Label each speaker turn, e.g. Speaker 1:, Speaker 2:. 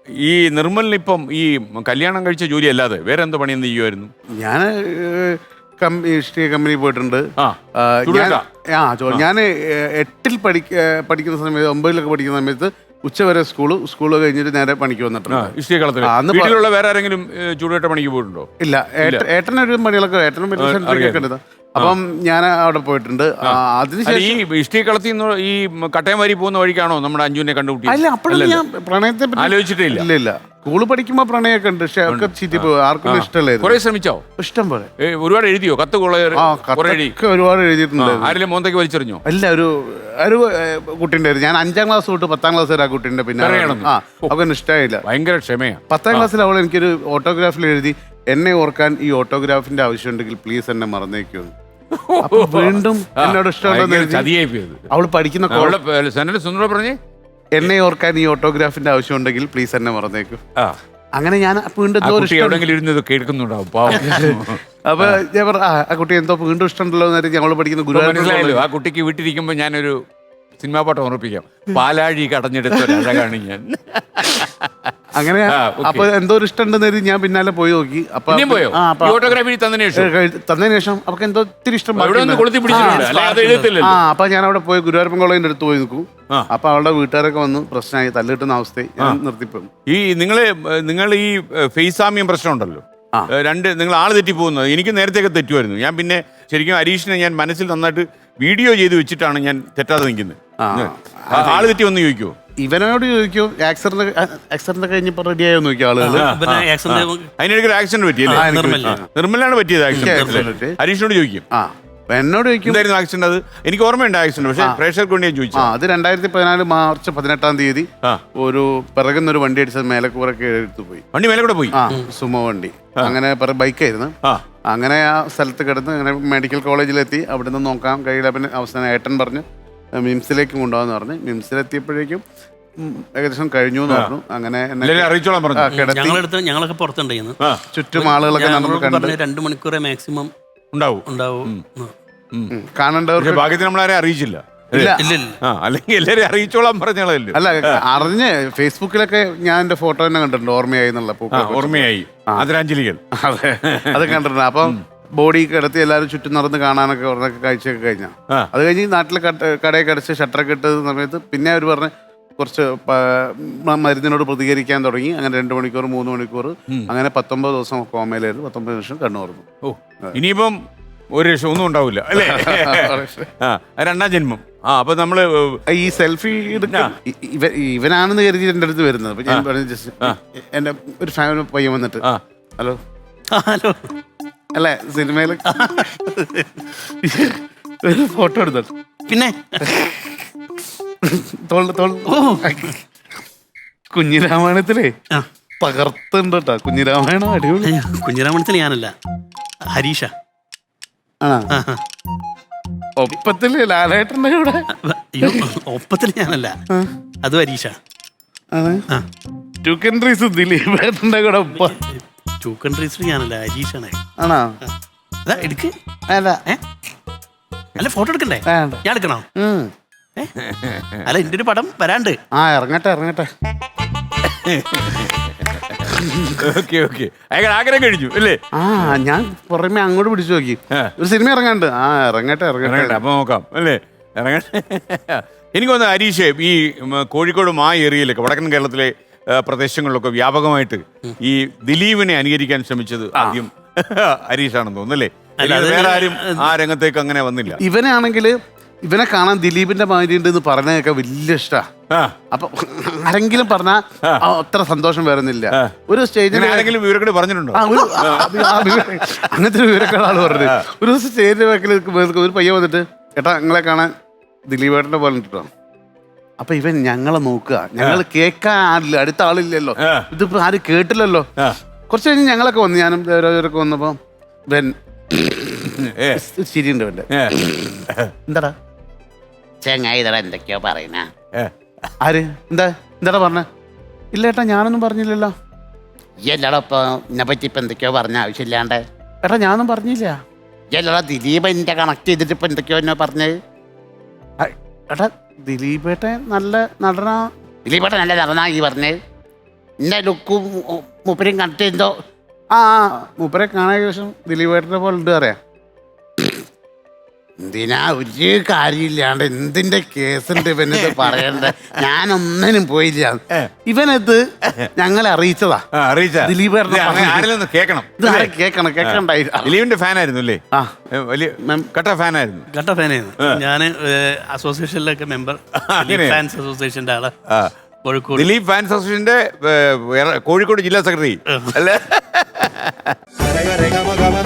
Speaker 1: ഈ നിർമ്മലിനിപ്പം ഈ കല്യാണം കഴിച്ച ജോലി അല്ലാതെ വേറെ എന്ത് പണി എന്ത് ചെയ്യുമായിരുന്നു?
Speaker 2: ഞാൻ ഹിസ്റ്ററി കമ്പനി പോയിട്ടുണ്ട്. ഞാൻ 8ൽ പഠിക്കുന്ന സമയത്ത് 9ലൊക്കെ പഠിക്കുന്ന സമയത്ത് ഉച്ചവരെ സ്കൂള് കഴിഞ്ഞിട്ട് നേരെ പണിക്ക് വന്നിട്ടുണ്ട്.
Speaker 1: വീട്ടിലുള്ള വേറെ ആരെങ്കിലും ചൂടുകെട്ട പണിക്ക് പോയിട്ടുണ്ടോ?
Speaker 2: ഇല്ല, ഏട്ടനൊരു പണികളൊക്കെ ഏട്ടനും ഉണ്ട്. അപ്പം ഞാൻ അവിടെ പോയിട്ടുണ്ട്.
Speaker 1: അതിനുശേഷം ഈ ഇഷ്ടി കളത്തിൽ നിന്ന് ഈ കട്ടയം വാരി പോകുന്ന വഴിക്കാണോ നമ്മുടെ അഞ്ജുവിനെ കണ്ടുപിടി?
Speaker 2: അല്ല, അപ്പോഴും ഞാൻ പ്രണയത്തെ
Speaker 1: ആലോചിച്ചിട്ടില്ല.
Speaker 2: ഇല്ല, സ്കൂള് പഠിക്കുമ്പോ പ്രണയമൊക്കെ ഉണ്ട്, പക്ഷെ ഒക്കെ ചീറ്റി പോയി. ആർക്കും ഇഷ്ടമല്ലായിരുന്നു.
Speaker 1: കുറെ ശ്രമിച്ചോ?
Speaker 2: ഇഷ്ടം പോലെ.
Speaker 1: ഒരുപാട് എഴുതിയോ? കത്ത്
Speaker 2: ഒരുപാട് എഴുതിയിട്ടുണ്ട്.
Speaker 1: ആരെങ്കിലും മോന്തയ്ക്ക് വലിച്ചെറിഞ്ഞോ?
Speaker 2: അല്ല, ഒരു കുട്ടിന്റെ ഞാൻ 5ാം ക്ലാസ് തൊട്ട് 10ാം ക്ലാസ് വരെ ആ കുട്ടിന്റെ പിന്നെ അവർക്ക് ഇഷ്ടമായില്ല.
Speaker 1: ഭയങ്കര ക്ഷമയാണ്.
Speaker 2: 10ാം ക്ലാസ്സിൽ അവൾ എനിക്കൊരു ഓട്ടോഗ്രാഫിൽ എഴുതി, എന്നെ ഓർക്കാൻ ഈ ഓട്ടോഗ്രാഫിന്റെ ആവശ്യമുണ്ടെങ്കിൽ പ്ലീസ് എന്നെ മറന്നേക്കുമെന്ന്. വീണ്ടും എന്നോട് ഇഷ്ടമുണ്ടെന്ന് അവള് പഠിക്കുന്ന
Speaker 1: പറഞ്ഞേ,
Speaker 2: എന്നെ ഓർക്കാൻ ഈ ഓട്ടോഗ്രാഫിന്റെ ആവശ്യമുണ്ടെങ്കിൽ പ്ലീസ് എന്നെ മറന്നേക്കും. അങ്ങനെ ഞാൻ വീണ്ടും
Speaker 1: കേൾക്കുന്നുണ്ടാവും.
Speaker 2: അപ്പൊ ഞാൻ പറഞ്ഞു, ആ കുട്ടി എന്തോ വീണ്ടും ഇഷ്ടമുണ്ടല്ലോ എന്ന് ഞങ്ങൾ പഠിക്കുന്ന ഗുരുവായൂർ.
Speaker 1: ആ കുട്ടിക്ക് വീട്ടിലിരിക്കുമ്പോ ഞാനൊരു സിനിമാ പാട്ട് ഓർപ്പിക്കാം. പാലാഴി കടഞ്ഞെടുത്ത അഴകാണ് ഞാൻ.
Speaker 2: അങ്ങനെ അപ്പൊ എന്തോ ഒരു ഇഷ്ടമുണ്ടെന്ന് ഞാൻ പിന്നാലെ പോയി നോക്കി.
Speaker 1: ഫോട്ടോഗ്രാഫി
Speaker 2: തന്നതിന് ശേഷം അവർക്ക് എന്തോ ഒത്തിരി ഇഷ്ടം. അപ്പൊ ഞാൻ അവിടെ പോയി ഗുരുവായൂരപ്പൻ കോളേജിന്റെ അടുത്ത് പോയി നിൽക്കും. അപ്പൊ അവളുടെ വീട്ടുകാരൊക്കെ വന്ന് പ്രശ്നമായി, തല്ലിട്ടുന്ന അവസ്ഥയിൽ ഞാൻ നിർത്തിപ്പോയി.
Speaker 1: നിങ്ങൾ ഈ ഫേസാമ്യം പ്രശ്നം ഉണ്ടല്ലോ, നിങ്ങൾ ആള് തെറ്റിപ്പോകുന്നത്. എനിക്ക് നേരത്തെയൊക്കെ തെറ്റുമായിരുന്നു. ഞാൻ പിന്നെ ശരിക്കും ഹരീഷിനെ ഞാൻ മനസ്സിൽ നന്നായിട്ട് വീഡിയോ ചെയ്ത് വെച്ചിട്ടാണ് ഞാൻ തെറ്റാതെ നിൽക്കുന്നത്. ആള് തെറ്റി വന്ന് ചോദിക്കുമോ?
Speaker 2: ഇവനോട് ചോദിക്കും, ആക്സിഡന്റ് കഴിഞ്ഞപ്പോ റെഡി ആയോ നോക്കിയ ആളുകൾ.
Speaker 1: അതിനിടയ്ക്ക് ആക്സിഡന്റ് പറ്റിയല്ലേ? നിർമ്മലാണ് പറ്റിയത് ആക്സിഡന്റ്. ഹരീഷിനോട് ചോദിക്കും,
Speaker 2: എന്നോട് ചോദിക്കും
Speaker 1: ആക്സിഡന്റ്. അത് എനിക്ക് ഓർമ്മയുണ്ട് ആക്സിഡന്റ്, പക്ഷേ പ്രേക്ഷകർക്ക് വേണ്ടി ഞാൻ ചോദിച്ചു.
Speaker 2: അത് 2014 മാർച്ച് 18-ാം തീയതി ഒരു പിറകുന്നൊരു വണ്ടി അടിച്ചത് മേലക്കൂറൊക്കെ എടുത്തു പോയി.
Speaker 1: വണ്ടി മേലെ കൂടെ പോയി?
Speaker 2: സുമോ വണ്ടി. അങ്ങനെ ബൈക്കായിരുന്നു. അങ്ങനെ ആ സ്ഥലത്ത് കിടന്ന് അങ്ങനെ മെഡിക്കൽ കോളേജിലെത്തി. അവിടെ നിന്ന് നോക്കാൻ കഴിയില്ല. പിന്നെ അവസാനം ഏട്ടൻ പറഞ്ഞ് മിംസിലേക്ക് കൊണ്ടുപോകാന്ന് പറഞ്ഞ് മിംസിലെത്തിയപ്പോഴേക്കും ഏകദേശം കഴിഞ്ഞു എന്ന് പറഞ്ഞു. അങ്ങനെ
Speaker 3: ഞങ്ങളൊക്കെ പുറത്തുണ്ടായിരുന്നു.
Speaker 2: ചുറ്റും ആളുകളൊക്കെ
Speaker 3: 2 മണിക്കൂറേ മാക്സിമം ഉണ്ടാവും.
Speaker 2: കാണേണ്ടവർക്ക്
Speaker 1: ഭാഗ്യത്തിന് നമ്മളാരെ അറിയിച്ചില്ല. അല്ലെങ്കിൽ എല്ലാരും അറിയിച്ചോളാൻ പറഞ്ഞാളല്ലോ.
Speaker 2: അല്ല, അറിഞ്ഞ് ഫേസ്ബുക്കിലൊക്കെ ഞാൻ എന്റെ ഫോട്ടോ തന്നെ കണ്ടിട്ടുണ്ട്. ഓർമ്മയായി എന്നുള്ള
Speaker 1: ഓർമ്മയായി ആദരാഞ്ജലികൾ
Speaker 2: അത് കണ്ടിട്ടുണ്ട്. അപ്പം ബോഡി കിടത്തി എല്ലാവരും ചുറ്റും നടന്ന് കാണാനൊക്കെ പറഞ്ഞൊക്കെ കാഴ്ചയൊക്കെ കഴിഞ്ഞാൽ അത് കഴിഞ്ഞ് നാട്ടിൽ കടയൊക്കെ അടച്ച് ഷട്ടറൊക്കെ ഇട്ട സമയത്ത് പിന്നെ അവർ പറഞ്ഞ് കുറച്ച് മരുന്നിനോട് പ്രതികരിക്കാൻ തുടങ്ങി. അങ്ങനെ 2 മണിക്കൂർ 3 മണിക്കൂർ അങ്ങനെ 19 ദിവസം കോമയിലായിരുന്നു. 19 നിമിഷം കണ്ണു തുറന്നു.
Speaker 1: ഇനിയിപ്പം ഒരു രക്ഷ ഒന്നും ഉണ്ടാവില്ല അല്ലേ? രണ്ടാം ജന്മം. അപ്പൊ നമ്മള്
Speaker 2: ഈ സെൽഫി ഇവനാണെന്ന് കരുതി എന്റെ അടുത്ത് വരുന്നത്. അപ്പൊ ഞാൻ പറഞ്ഞു, ജസ്റ്റ് എന്റെ ഒരു ഫാമിലി പയ്യൻ വന്നിട്ട്, ഹലോ
Speaker 3: ഹലോ
Speaker 2: അല്ലേ, സിനിമയില് ഒരു ഫോട്ടോ എടുത്തു.
Speaker 3: പിന്നെ
Speaker 2: കുഞ്ഞിരാമായണത്തിലേ തകർത്തുണ്ട് കേട്ടോ. കുഞ്ഞിരാമായണം അടിപൊളി.
Speaker 3: കുഞ്ഞിരാമായണത്തിൽ ഞാനല്ല, ഹരീഷ.
Speaker 2: ഒപ്പത്തില് ലാലേട്ടന്റെ കൂടെ.
Speaker 3: ഒപ്പത്തിൽ ഞാനല്ല, അത് ഹരീഷ.
Speaker 2: 2 കൺട്രീസ് ദിലീപേട്ടന്റെ കൂടെ ഒപ്പ.
Speaker 3: 2 കൺട്രീസിൽ ഞാനല്ല, ഹരീഷാണ്.
Speaker 2: ആണോ?
Speaker 3: എടുക്ക്. അല്ല, ഫോട്ടോ എടുക്കണ്ടേ? ഞാൻ എടുക്കണോ? അല്ല, എന്റെ ഒരു പടം വരാണ്ട്.
Speaker 2: ഇറങ്ങട്ടെ.
Speaker 1: ആഗ്രഹം കഴിഞ്ഞു അല്ലേ?
Speaker 2: ഞാൻ പുറമെ അങ്ങോട്ട് പിടിച്ചു നോക്കി, ഒരു സിനിമ ഇറങ്ങാണ്ട്. ഇറങ്ങട്ടെ.
Speaker 1: അപ്പൊ നോക്കാം അല്ലേ, ഇറങ്ങട്ടെ. എനിക്ക് തോന്നുന്നു ഹരീഷ്, ഈ കോഴിക്കോട് ഏരിയയിലൊക്കെ വടക്കൻ കേരളത്തിലെ പ്രദേശങ്ങളിലൊക്കെ വ്യാപകമായിട്ട് ഈ ദിലീപിനെ അനുകരിക്കാൻ ശ്രമിച്ചത് ആദ്യം ഹരീഷാണെന്ന് തോന്നുന്നല്ലേ? വേറെ ആരും ആ രംഗത്തേക്ക് അങ്ങനെ വന്നില്ല.
Speaker 2: ഇവനെ കാണാൻ ദിലീപിന്റെ മാതിരി ഉണ്ടെന്ന് പറഞ്ഞൊക്കെ വലിയ ഇഷ്ടാ. അപ്പൊ ആരെങ്കിലും പറഞ്ഞാ അത്ര സന്തോഷം വരുന്നില്ല. ഒരു സ്റ്റേജിൽ
Speaker 1: ആരെങ്കിലും വിവരക്കേട് പറഞ്ഞിട്ടുണ്ടോ?
Speaker 2: അങ്ങനത്തെ വിവരക്കേട് ആള് പറഞ്ഞത്. ഒരു ദിവസം സ്റ്റേജിന്റെ ബാക്കിൽ ഒരു പയ്യ വന്നിട്ട്, ഏട്ടാ നിങ്ങളെ കാണാൻ ദിലീപേട്ടന്റെ പോലെ ഇട്ടോ. അപ്പൊ ഇവൻ ഞങ്ങളെ നോക്കുക, ഞങ്ങൾ കേൾക്കാൻ ആളില്ല, അടുത്ത ആളില്ലല്ലോ, ഇതിപ്പോ ആരും കേട്ടില്ലല്ലോ. കുറച്ച് കഴിഞ്ഞ് ഞങ്ങളൊക്കെ വന്നു, ഞാനും ദേവരാജരൊക്കെ വന്നപ്പോ ഇവൻ ശരിയുണ്ട്. ഇവന്റെ എന്താടാ
Speaker 4: ചെങ്ങായി എന്തൊക്കെയോ പറയുന്ന?
Speaker 2: ആര് എന്താടാ പറഞ്ഞ? ഇല്ല ഏട്ടാ, ഞാനൊന്നും പറഞ്ഞില്ലല്ലോ.
Speaker 4: എല്ലാടോ ഇപ്പൊ എന്നെ പറ്റി ഇപ്പൊ എന്തൊക്കെയോ പറഞ്ഞ ആവശ്യമില്ലാണ്ട്.
Speaker 2: ഏട്ടാ ഞാനൊന്നും പറഞ്ഞില്ല.
Speaker 4: എല്ലാടോ ദിലീപ് എന്റെ കണക്ട് ചെയ്തിട്ട് ഇപ്പൊ എന്തൊക്കെയോ എന്നോ പറഞ്ഞത്.
Speaker 2: ഏട്ടാ ദിലീപേട്ടൻ നല്ല നടനാ.
Speaker 4: ദിലീപേട്ടൻ നല്ല നടനാ ഈ പറഞ്ഞത്? എന്റെ ലുക്കും മൂപ്പരും കണ്ടിട്ട് എന്തോ
Speaker 2: ആ മൂപ്പരെ കാണാൻ ശേഷം ദിലീപേട്ടനെ പോലെ ഉണ്ട് അറിയാം.
Speaker 4: എന്തിനാ ഒരു കാര്യമില്ലാണ്ട് എന്തിന്റെ കേസുണ്ട് ഇവനിത് പറയണ്ട. ഞാനൊന്നിനും പോയില്ല.
Speaker 2: ഇവനത് ഞങ്ങളെ അറിയിച്ചതാ.
Speaker 1: അറിയിച്ച
Speaker 2: ദിലീപേട്ടനെ
Speaker 1: ആരെങ്കിലും കേൾക്കണം.
Speaker 2: ഇത് ആരെ കേക്കണ്ടായി.
Speaker 1: ദിലീപിന്റെ ഫാൻ ആയിരുന്നു അല്ലേ?
Speaker 2: ആ
Speaker 1: വലിയ കട്ട ഫാൻ ആയിരുന്നു.
Speaker 3: കട്ട ഫാനായിരുന്നു ഞാൻ. അസോസിയേഷനിലൊക്കെ മെമ്പർ, ഫാൻസ് അസോസിയേഷന്റെ ആള് കോഴിക്കോട്.
Speaker 1: ദിലീപ് ഫാൻസ് അസോസിയേഷന്റെ കോഴിക്കോട് ജില്ലാ സെക്രട്ടറി അല്ലേ?